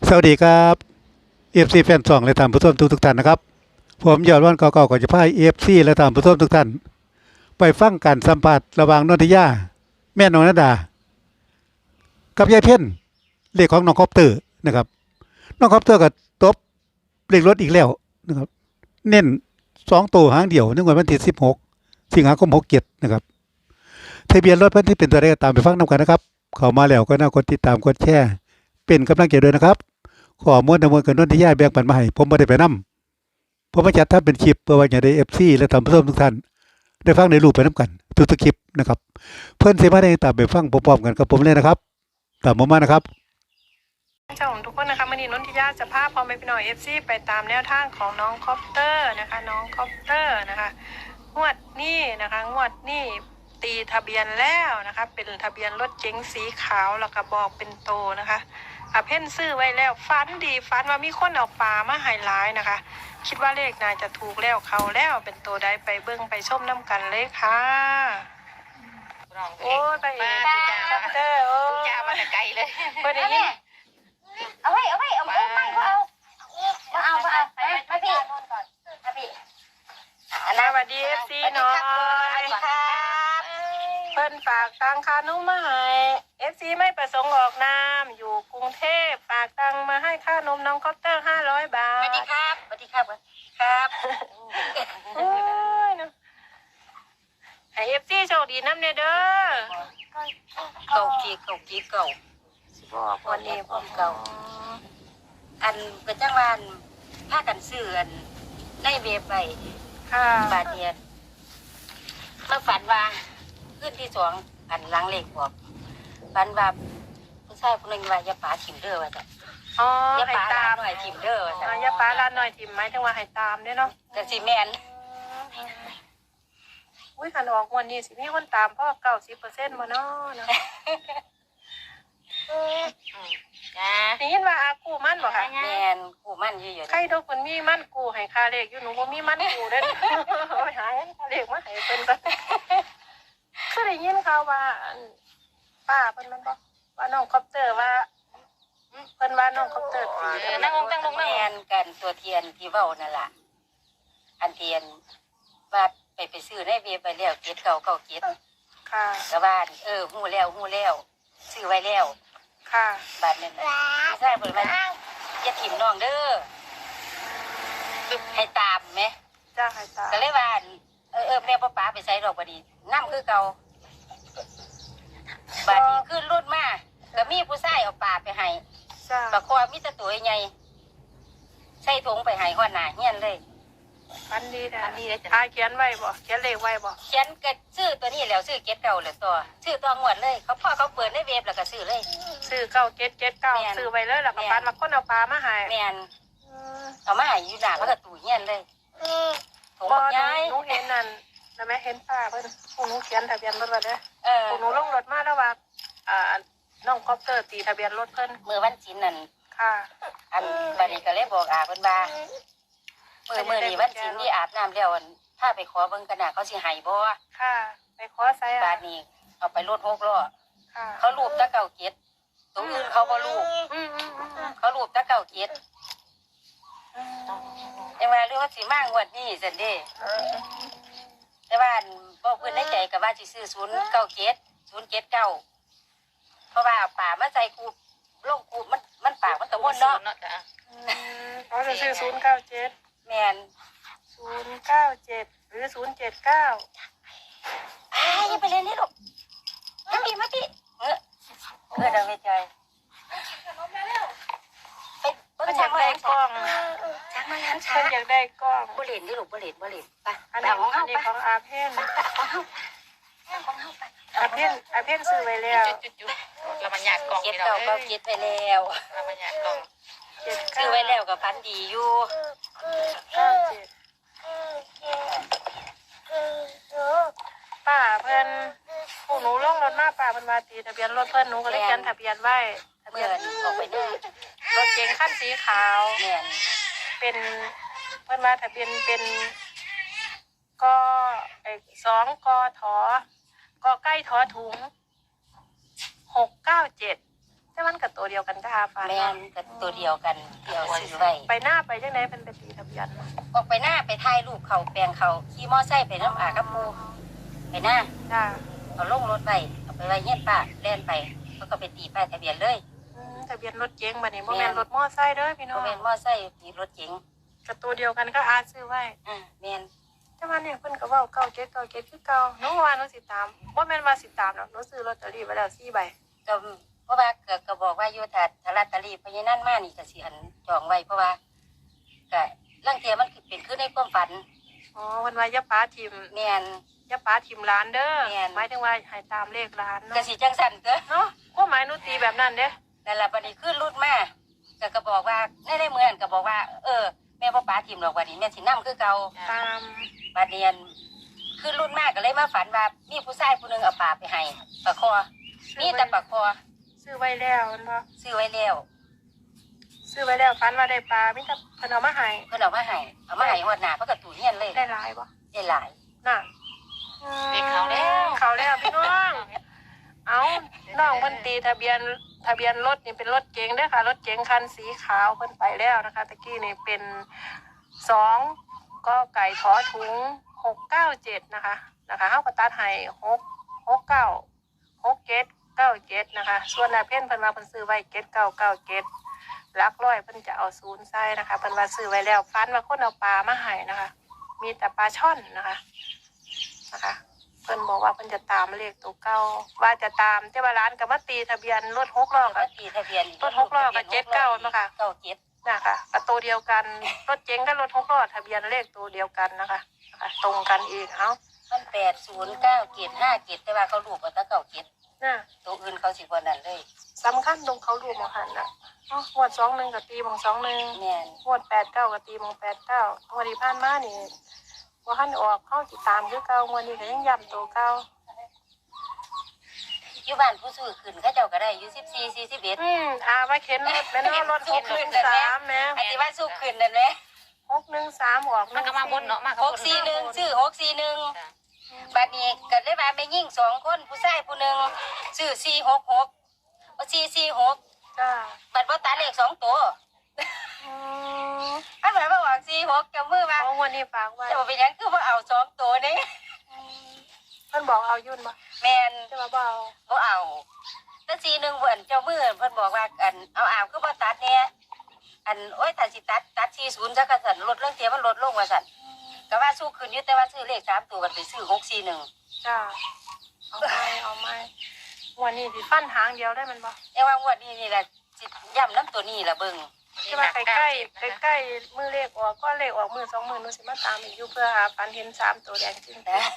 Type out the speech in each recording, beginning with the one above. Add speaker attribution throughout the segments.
Speaker 1: สวัสดีครับเอฟซีแฟนสองและท่านผู้ชมทุกท่านนะครับผมยอดวันเก่าๆก็จะพาเอฟซีและท่านผู้ชมทุกท่านไปฟังการสัมภาษณ์ระหว่างนนทิยาแม่นงนดากับยายเพ่นเลขของน้องคอปเตอร์นะครับน้องคอปเตอร์ก็ตบเลขรถอีกแล้วนะครับเน้น2 ตัวหางเดียวในวันที่16 สิงหาคม67นะครับทะเบียนรถเพิ่นที่เป็นตัวเลขตามไปฟังนำกันนะครับเข้ามาแล้วก็น่ากดติดตามกดแชร์เป็นกำลังใจด้วยนะครับข้อมูลทั้งหมดกับนนทิยาแบ่งปันมาให้ผมบ่ได้ไปนำผมมาจัดทำเป็นคลิปเพื่อว่าจะได้ FC และท่านผู้ชมทุกท่านได้ฟังได้รู้ไปนํกันทุกๆคลิปนะครับเพิ่นสิมาได้ตามไปฟังพร้อมๆกันกับผมเลยนะครับตามผมมานะครับ
Speaker 2: เจ้าของทุกคนนะคะวันนี้นนทิยาจะพาพอแม่พี่น้องFCไปตามแนวทางของน้องคอปเตอร์นะคะน้องคอปเตอร์นะคะงวดนี้นะคะงวดนี้ตีทะเบียนแล้วนะคะเป็นทะเบียนรถเก๋งสีขาวแล้วก็บอกเป็นโตนะคะเพ่นซื้อไว้แล้วฟันดีฟันว่ามีคนเอาปลามาให้หลายนะคะคิดว่าเลขนายจะถูกแล้วเขาแล้วเป็นตัวใดไปเบิ้งไปชมน้ำกันเลยค่ะโอ้ยไปมาคอปเตอร์โอ้ยมาแต่ไกลเลยเพื่อนได้ยิน
Speaker 3: เอาไม่เขาเอามาพี่
Speaker 2: สวัสดีFCน้อยเพิ่นฝากตังค่านุ่มมาให้ FC ไม่ประสงค์ออกนามอยู่กรุงเทพฝากตังมาให้ค่านมน้องคอปเตอร์500 บาท
Speaker 3: สวัสดีครับครับ
Speaker 2: โอ้ยนะให้ FC โชคดีน้ำเนเด้อ
Speaker 3: เก่า
Speaker 2: วันนี้ผม
Speaker 3: เก่าอันกระจังวานพากันซื้ออันในเว็บไป
Speaker 2: ค่ะ
Speaker 3: บาทเดียมาฝันว่าขึ้นที่สองอันล้างเลขบอกฝันว่าผู้ชายคนหนึ่งว่าอย่าป๋าถิ่มเด้อว่าจ้ะ
Speaker 2: อ๋อ
Speaker 3: อย่า
Speaker 2: ให้
Speaker 3: ป๋า
Speaker 2: ตาม
Speaker 3: หน่อยถิ่มเด้อว่าจ้ะ
Speaker 2: อย่าป้าลานหน่อยถิ่มไหมถึงว่าให้ตามเด้เนาะ
Speaker 3: แต่สิแมน
Speaker 2: อุ้ยขันออกวันนี้สิมีคนตามพ่อ90%มาเนาะ
Speaker 3: จ้า
Speaker 2: ได้ยินว่าอากูมั่นบ่ค่ะ
Speaker 3: แมนกูมั่นเยอะๆ
Speaker 2: ใครทุกคนมีมั่นกูให้ค่าเลขอยู่หนูบ่มีมั่นกูเด้อไปหาค่าเลขมาให้เพิ่นซะคือได้ยินข่าวว่าป้าเพิ่นมันบ่ว่าน้องคอปเตอร์ว่าเพิ่นว่าน้องคอปเตอร์
Speaker 3: นั่งลงแมนกันตัวเทียนที่เว้านั่นล่ะอันเทียนว่าไปซื้อในเว็บไปแล้วเก็ดเก่าเก็ด
Speaker 2: ค่ะ
Speaker 3: กะบ้านหู้แล้วซื้อไว้แล้ว
Speaker 2: ค่ะ
Speaker 3: บาทนึงใช่เพิ่นว่าอย่าถิ่มน้องเด้อให้ตามไหม
Speaker 2: จ้าให้ตาม
Speaker 3: ก็เลยว่าแม่ป้าไปใส่ดอกบัดนี้น้ำคือเก่าบาดนี้ขึ้นรุ่นมาก็มีผู้ชายเอาปลาไปให้
Speaker 2: จ้า
Speaker 3: ปลาคอมีแต่ตัวใหญ่ใส่ถุงไปให้หัวหน้าเฮียนเลย
Speaker 2: อันดีเลยจ้ะเขียนไว้บ่เขียนเลขไว้บ่
Speaker 3: เขียนก็ซื้อตัวนี้แล้วซื้อเก็ดเก่าแล้วตัวซื้อตัวงวดเลยเขาเปิดในเว็บแล้วก็ซื้อเลย
Speaker 2: ซื้อ9 7 7 9ซื้อไว้เลยแล้วก็ปันมาคนเอาปลามาให้
Speaker 3: แม่นเอามาให้อยู่หน้าเขาก็ตู้เฮียนเลย
Speaker 2: ถุงใหญ่หนูเห็นนั่นแม่เห็นป้าเพิ่นพวกหนูเขียนทะเบียนรถไว้เด้อพวกหนูลงรถมาแล้วว่าน้องคอปเตอร์ตีทะเบียนรถเพิ่น
Speaker 3: มื้อวันศีลนั่น
Speaker 2: ค่ะ
Speaker 3: อันบัดนี้ก็เลยบอกเพิ่นว่ามื้อนี้วันศีลที่อาบน้ำแล้วถ้าไปขอเบิ่งกันน่ะเขาสิให้บ่
Speaker 2: ค่ะไปขอใส่
Speaker 3: บาดนี้เอาไปรถ6 ล้อ
Speaker 2: ค่ะ
Speaker 3: เขารูปตะเก่าเก็ดตรงอื่นเขาบ่รูปเขารูปตะเก่าเก็ดยังว่าเรื่องว่าสิมางวดนี้ซั่นเด้แต่ว่าบ่เพิ่นในใจก็ว่าสิซื้อ097เพราะว่าเอาป่ามาใส่คูลงคูมันปากมันตะมนเนาะ
Speaker 2: เขาจะซื้อ097
Speaker 3: แม่น
Speaker 2: 097หรือ079
Speaker 3: อย่าไปเล่นนี่ลูกมาติดังในใจ
Speaker 2: เพิ่นอยากได้กล้อง
Speaker 3: ช้าง
Speaker 2: เพิ่นอยากได้กล้อง
Speaker 3: บ่เล่นนี่ลูกบ่เล่นไป
Speaker 2: อันนี้ของอาเพ่นอาเพ่นซื้อไว้แล้ว
Speaker 4: เรามันอยากกล่อง
Speaker 3: เก็บเก่าเก็บไปแล้ว
Speaker 4: เรามันอยากกล่อง
Speaker 3: ซื้อไว้แล้วกับพันดีอยู่
Speaker 2: ป้าเพิ่นพวกหนูลงรถมาป้าเพิ่นว่าตีทะเบียนรถเพิ่นหนูก็เลยเขียนทะเบียนไว้
Speaker 3: ทะเบียนออกไปด้วย
Speaker 2: รถเก๋งคันสีขาวเป็นเพิ่นว่าทะเบียนเป็นก2 กท กไก่ทอถุง697 แต่มันกับตัวเดียวกันจ้าฟ้า
Speaker 3: แม่นก็ตัวเดียวกันเดียวซื้อไว้
Speaker 2: ไปหน้าไปจังไหนเป็นตีทะเบียน
Speaker 3: ออกไปหน้าไปถ่ายรูปเขาแปลงเขาขี่มอไซค์ไปน้ำอากับปูไปหน้า
Speaker 2: จ้า
Speaker 3: เอาลงรถไปเอาไปไว้เงี้ยป้าแล่นไปแล้วก็ไปตีป้ายทะเบียนเลย
Speaker 2: ทะเบียนรถเก๋งบัดนี้โมเมนรถมอไซค์เด้อพี่น้
Speaker 3: โม
Speaker 2: อง
Speaker 3: เมนมอไซค์มีรถเก๋ง
Speaker 2: กับตัวเดียวกันก็อาซื้อไว้
Speaker 3: แม่น
Speaker 2: แต่ว่าเนี่ยเพิ่นก็เว้าเก่าเจ็ดคือเก่าหนูว่าหนูสิตามบ่แม่นว่าสิตามหรอกหนูซื้อลอตเตอรี่ไว้แล้ว4 ใบ
Speaker 3: ก็เพราะว่าก็บอกว่าอยู่ถ้าลอตเตอรี่พญานั่นมานี่ก็สิอันจองไว้เพราะว่าก็ลังเทียมันเป็นขึ้นในความฝัน
Speaker 2: อ๋อเพิ่นว่าอย่าป้าทิม
Speaker 3: แม่น
Speaker 2: อย่าป้าทิมร้านเด้อ
Speaker 3: แม่น
Speaker 2: หมายถึงว่าให้ตามเลขร้าน
Speaker 3: ก็
Speaker 2: เนาะ
Speaker 3: สิจังสั่นเด้อ
Speaker 2: เนาะความหมายหนูตีแบบนั้นเด้
Speaker 3: นั่นล่ะบัดนี้ขึ้นรุ่นมาก็บอกว่าในเมืองก็บอกว่าแม่บ่ป้าทิมหรอกวันนี้แม่สินำคือเก่า
Speaker 2: ตาม
Speaker 3: บัดเรียนขึ้นรุ่นมากก็เลยมาฝันว่ามีผู้ชายผู้หนึงเอาปลาไปให้ปลาคอมีแต่ปลาคอ
Speaker 2: ซื้อไว้แล้วเห็นบ่
Speaker 3: ซื้อไว้แล้ว
Speaker 2: ซื้อไว้แล้วฝันว่าได้ปลามีแต่เพิ่นเอามาให้
Speaker 3: เพิ่นเอามาให้ฮอดหน้าเพิ่นก็ตู้เฮียนเลย
Speaker 2: ได้หลายบ่
Speaker 3: ได้หลาย
Speaker 2: น่ะ
Speaker 4: เด็กเขาแล้ว
Speaker 2: เขาแล้วพี่น้อง เอาน้องเพิ่นตีทะเบียนรถนี่เป็นรถเก๋งเด้อค่ะ รถเก๋งคันสีขาวเพิ่นไปแล้วนะคะตะกี้นี่เป็น2 กไก่ถอถุง697นะคะเฮาก็ตัดให้669 67 97นะคะ ส่วนนาเพ่นเพิ่นว่าเพิ่นซื้อไว้7997หลักร้อยเพิ่นจะเอา0ใส่นะคะเพิ่นว่าซื้อไว้แล้วฟันว่าคนเอาปลามาให้นะคะ มีแต่ปลาช่อนนะคะเพิ่นบอกว่าเพิ่นจะตามเลขตัวเก่าว่าจะตามแต่ว่าร้านกับมาตีทะเบียนรถ6 ล้อ
Speaker 3: ก็
Speaker 2: กับ
Speaker 3: ตีทะเบียน
Speaker 2: รถ6 ล้อกับ79นะคะ
Speaker 3: 97
Speaker 2: นะคะกับตัวเดียวกันรถเก๋งกับรถ6 ล้อทะเบียนเลขตัวเดียวกันนะคะตรงกันอีกเอ้า
Speaker 3: มัน809757แต่ว่าเขารูปเอาแต่97
Speaker 2: น่ะ
Speaker 3: ตัวอื่นเขาสิบ่นั่นเลย
Speaker 2: สำคัญตรงเขารวมหันน่ะงวด21กับตีบง21
Speaker 3: แม่น
Speaker 2: งวด89กับตีบง89งวดที่ผ่านมานี่บ่ทันออกเข้าติดตามคือเก่างวดนี้ก็ยังย้ำตัวเก่า
Speaker 3: อยู่บ้านผู้ซื้อขึ้นเขาเจ้าก็ได้อยู่14 41
Speaker 2: มาเข็นรถแม่เนาะรถ613แม่
Speaker 3: อันที่ว่าสู้ขึ้นนั่นแหละ
Speaker 2: 613ออก
Speaker 4: มันก็มาบนเนาะมา
Speaker 3: 641ซื้อ641บัดนี้ก็เลยว่าแม่ยิ่ง2คนผู้ชายผู้หนึงซื้อ466บ่446
Speaker 2: จ้า
Speaker 3: บัดบ่ตัดเลข2ตัวอันหมายว่าออก46กับมือว่า
Speaker 2: ของวันนี้ฝากไว้
Speaker 3: จะบ่เป็นหยังคือบ่เอา2ตัวนี่
Speaker 2: เพิ่นบอกเอายุ่นบ่
Speaker 3: แม่น
Speaker 2: จะมาบอก
Speaker 3: บ่เอาแต่41เพิ่นเจ้ามือเพิ่นบอกว่าอันเอาคือบ่ตัดแน่อันโอ้ยถ้าสิตัด40ซะก็สั่นลดเรื่องเสียมันลดลงว่าสั่นก็ว่าสู้ขึ้นอยู่แต่ว่าซื้อเลข3ตัวก็ไปซื้อ641
Speaker 2: จ้าเอาไหมวันนี้สิฟันหางเดียวได้มันบ่
Speaker 3: แต่ว่างวดนี้นี่แหละสิย้ำน้ำตัวนี้ล่ะเบิ่ง
Speaker 2: จะมาใกล้มือเลขออกก็เลขออกมือ2 มื้อหนูสิมาตามอีกอยู่เพื่อหาฟันเห็น3ตัวแดงจริง
Speaker 3: นะ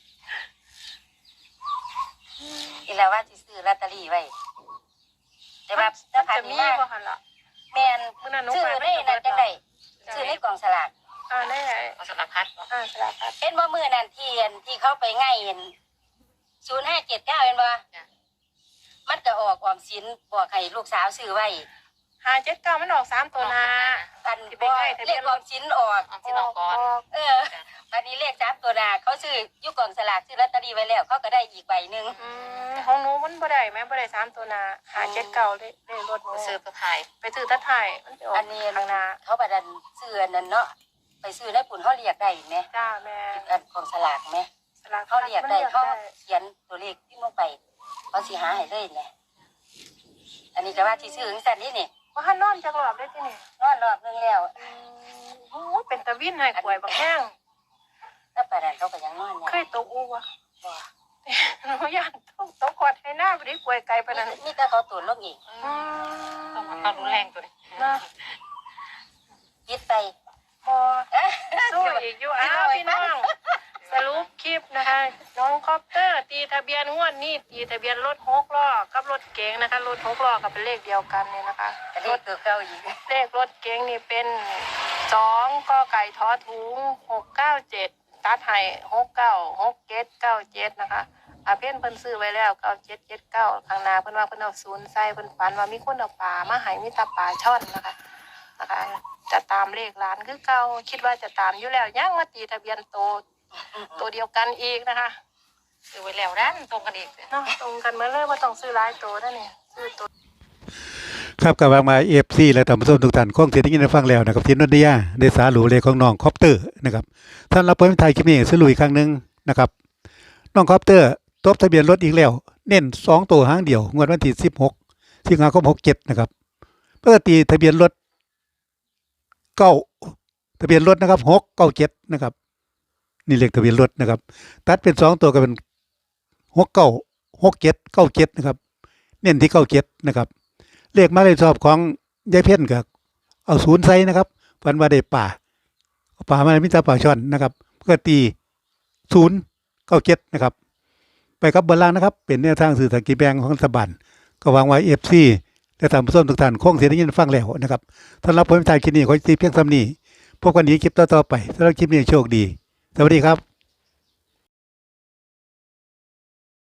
Speaker 3: อีแล้วว่าสิซื้อลอตเตอรี่ไว้แต่ว่าถ้าผ่าน
Speaker 2: จะมี
Speaker 3: นี้มา
Speaker 2: บ่หั่นล่ะ
Speaker 3: แม่น
Speaker 2: มื้อนั้นหนู
Speaker 3: ซื้อ
Speaker 2: ไป
Speaker 3: ในนั้นจังได๋ซื้อในกล่องสลาก
Speaker 2: ได้
Speaker 4: เอาสลับพัด
Speaker 2: สลับครับ
Speaker 3: เห็นบ่มื้อนั้นที่เขาไปง่ายเห็น0579เห็นบ่มันก็ออกออมสินบอกให้ลูกสาวซื้อไว้
Speaker 2: 579มันออก3ตัวหน้า
Speaker 3: กันบ่เลขออมสินออก
Speaker 4: เอาที่นอนก่อน
Speaker 3: วันนี้เลข3ตัวหน้าเขาซื้ออยู่กล่องสลากซื้อลอตเตอรี่ไว้แล้วเขาก็ได้อีกใบหนึง
Speaker 2: ของหนูมันบ่ได้แม่บ่ได้3ตัวหน้า579เลขรถหนู
Speaker 4: ซื้อตัวไทย
Speaker 2: ไปซื้อตะไทยมันไปออก
Speaker 3: อันนี้
Speaker 2: ข้างหน้า
Speaker 3: เขาบัดันซื้ออันนั้นเนาะไปซื้อในปุ่นเขาเรียกได้ไหม
Speaker 2: จ้าแม่
Speaker 3: อันของสลากไหม
Speaker 2: สลัก
Speaker 3: เขาเรียกได้เขาเขียนตัวเลขที่ลงไปเขาสิหาให้เลยเนี่ยอันนี้ก็ว่าที่ซื้อของสันนี่นี่
Speaker 2: ว่าหันนอนจักรอบได้ที่นี่
Speaker 3: นอนรอบนึงแล้ว
Speaker 2: โอ้เป็นตะวินให้ป่วยบักแห้ง
Speaker 3: แล้วปานนั้นเขาก็ยังนอน
Speaker 2: เคยตกอูวะ
Speaker 3: บ่
Speaker 2: หนูย่านตกกอดให้หน้าบ่ได้ป่วยไกลปานนั้น
Speaker 3: นี่แต่เขาตัวลงอีก
Speaker 4: ต้องเอารุนแรงตัวนี้
Speaker 2: นะ
Speaker 3: คิดไป
Speaker 2: พอสู้อีกอยู่อ้าวพี่น้องสรุปคลิปนะคะ น้องคอปเตอร์ตีทะเบียนงวดนี้ตีทะเบียนรถ6 ล้อกับรถเก๋งนะคะรถ6 ล้อกับเป็นเลขเดียวกันเนี่ยนะคะ
Speaker 3: ก็เลขตัวเก่าอีก
Speaker 2: เลขรถเก๋งนี่เป็น2 กไก่ทอถุง697ตัดให้696797นะคะเพิ่นซื้อไว้แล้ว9779ข้างหน้าเพิ่นว่าเพิ่นเอา0ใส่เพิ่นฝันว่ามีคนเอาปลามาให้มีแตาปลาช่อนนะคะจะตามเลขร้านคือเก่าคิดว่าจะตามอยู่แล้วยังมาตีทะเบียนตัวเดียวกันอีกนะคะ
Speaker 4: ซื้อไว้แล้วนั่นตรงกันอีก
Speaker 2: เนาะตรงกันเหมือนเลยว่าต้องซื้อหลายตัวนั่นนี่ซื้อตัว
Speaker 1: ครับกับวางมาเอฟซีและท่านผู้ชมทุกท่านคงเสียงได้ยินได้ฟังแล้วนะครับที่นนทิยาได้สาหรูเลยของน้องคอปเตอร์นะครับท่านรับผลไทยคลิปนี้สรุปอีกครั้งหนึ่งนะครับน้องคอปเตอร์ตบทะเบียนรถอีกแล้ว เน้น2ตัวหางเดียวงวดวันที่16สิงหาคม67นะครับปกติทะเบียนรถเก้าทะเบียนรถนะครับ697นะครับนี่เลขทะเบียนรถนะครับตัดเป็น2ตัวก็เป็น696797นะครับเน้นที่97นะครับเลขหมายเลขชอบของยายเพ่นก็เอา0ใส่นะครับฝันว่าได้ป่าเอาป่ามามีแต่ป่าช่อนนะครับก็ตี097นะครับไปกับบนล่างนะครับเป็นแนวทางสื่อสารกิจแบงของรัฐบาลก็หวังไว้ FC และท่านผู้ชมทุกท่านคงเสียได้ยินฟังแล้วนะครับสำหรับผมทายคลิปนี้ขอสิเพียงเท่านี้พบกันอีกคลิปต่อๆไปสำหรับคลิปนี้โชคดีสวัสดีครับ